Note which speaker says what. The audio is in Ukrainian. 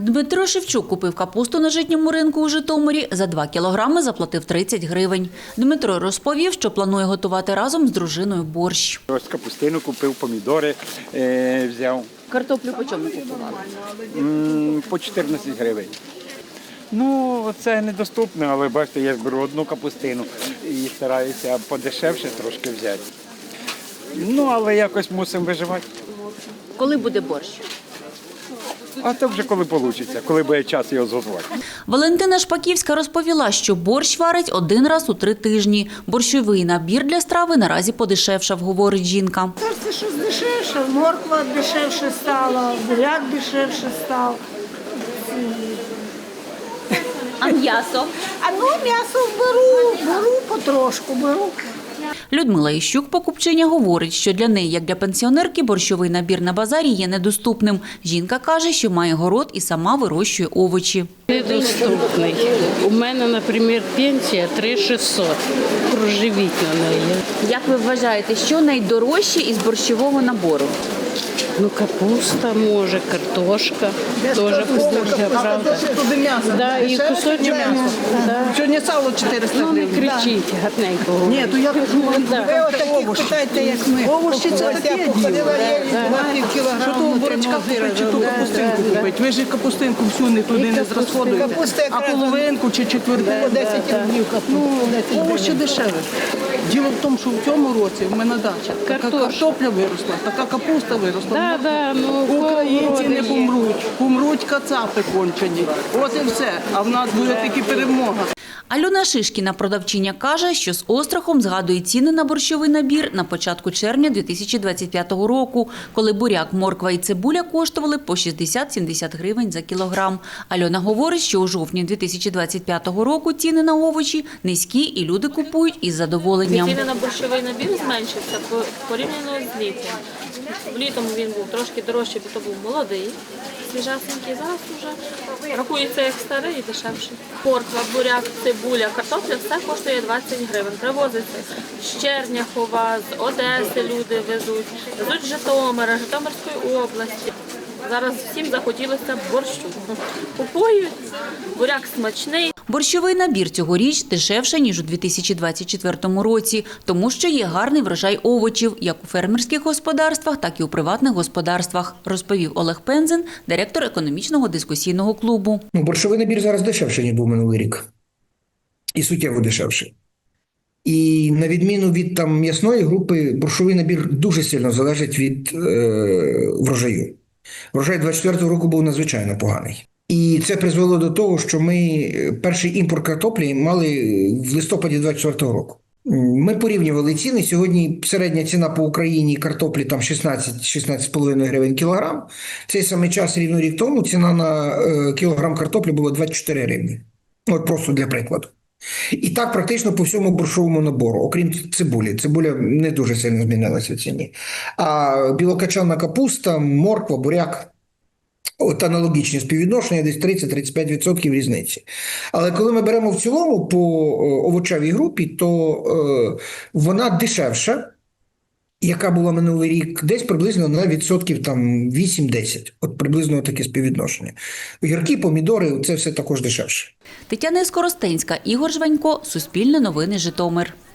Speaker 1: Дмитро Шевчук купив капусту на житньому ринку у Житомирі. За 2 кілограми заплатив 30 гривень. Дмитро розповів, що планує готувати разом з дружиною борщ.
Speaker 2: Ось капустину купив, помідори взяв.
Speaker 1: Картоплю по чому купували?
Speaker 2: По 14 гривень. Ну, це недоступно, але бачите, я беру одну капустину і стараюся подешевше трошки взяти. Ну, але якось мусимо виживати.
Speaker 1: Коли буде борщ?
Speaker 2: А то вже коли вийде, коли буде час його зготувати.
Speaker 1: Валентина Шпаківська розповіла, що борщ варить 1 раз у 3 тижні. Борщовий набір для страви наразі подешевшав, говорить жінка.
Speaker 3: Це щось дешевше, морква дешевше стала, буряк дешевше став.
Speaker 1: А м'ясо?
Speaker 3: М'ясо беру потрошку, беру.
Speaker 1: Людмила Іщук, покупчиня, говорить, що для неї, як для пенсіонерки, борщовий набір на базарі є недоступним. Жінка каже, що має город і сама вирощує овочі.
Speaker 4: Недоступний. У мене, наприклад, пенсія 3600. Проживіть на неї.
Speaker 1: Як ви вважаєте, що найдорожче із борщового набору?
Speaker 4: Ну, капуста може, картошка. Теж купуся, правда. Да, і кусочок м'яса. Да.
Speaker 5: Сьогодні сало 400
Speaker 4: Ну, не
Speaker 5: гривень.
Speaker 4: кричіть, гарненько.
Speaker 5: Ні, то я кажу,
Speaker 4: Да.
Speaker 5: ви отакі питайте, як ми. Овощі це таке діло. Що того бурячка купити, чи ту капустинку купити. Ви ж капустинку всю не туди не зрозходуєте. А половинку чи четвертину. 10 гривень. Ну, овощі дешеві. Діло в тому, що в цьому році в мене дача. Така картопля виросла, така капуста виросла.
Speaker 4: Ну,
Speaker 5: Українці не помруть. Помруть кацапи кончені. От і все. А в нас буде тільки перемога.
Speaker 1: Альона Шишкіна, продавчиня, каже, що з острахом згадує ціни на борщовий набір на початку червня 2025 року, коли буряк, морква і цибуля коштували по 60-70 гривень за кілограм. Альона говорить, що у жовтні 2025 року ціни на овочі низькі і люди купують із задоволенням.
Speaker 6: Ціни на борщовий набір зменшився порівняно з літом. Влітом він був трошки дорожчий, бо то був молодий, свіжасенький. Зараз вже рахується як старий і дешевший. Морква, буряк, цибуля, картопля – все коштує 20 гривень. Привозиться з Черняхова, з Одеси люди везуть з Житомира, Житомирської області. Зараз всім захотілося борщу. Купують, буряк смачний.
Speaker 1: Борщовий набір цьогоріч дешевше, ніж у 2024 році, тому що є гарний врожай овочів, як у фермерських господарствах, так і у приватних господарствах, розповів Олег Пензен, директор економічного дискусійного клубу.
Speaker 7: Борщовий набір зараз дешевше, ніж був минулий рік. І суттєво дешевше. І на відміну від м'ясної групи, борщовий набір дуже сильно залежить від врожаю. Врожай 24-го року був надзвичайно поганий. І це призвело до того, що ми перший імпорт картоплі мали в листопаді 24-го року. Ми порівнювали ціни. Сьогодні середня ціна по Україні картоплі 16-16,5 гривень кілограм. В цей самий час рівно рік тому ціна на кілограм картоплі була 24 гривні. От просто для прикладу. І так практично по всьому борщовому набору, окрім цибулі. Цибуля не дуже сильно змінилася в ціні. А білокачана капуста, морква, буряк – от аналогічні співвідношення, десь 30-35% різниці. Але коли ми беремо в цілому по овочевій групі, то вона дешевша, яка була минулий рік, десь приблизно на відсотків 8-10. От приблизно таке співвідношення. Огірки, помідори – це все також дешевше.
Speaker 1: Тетяна Скоростенська, Ігор Жванько, Суспільне новини, Житомир.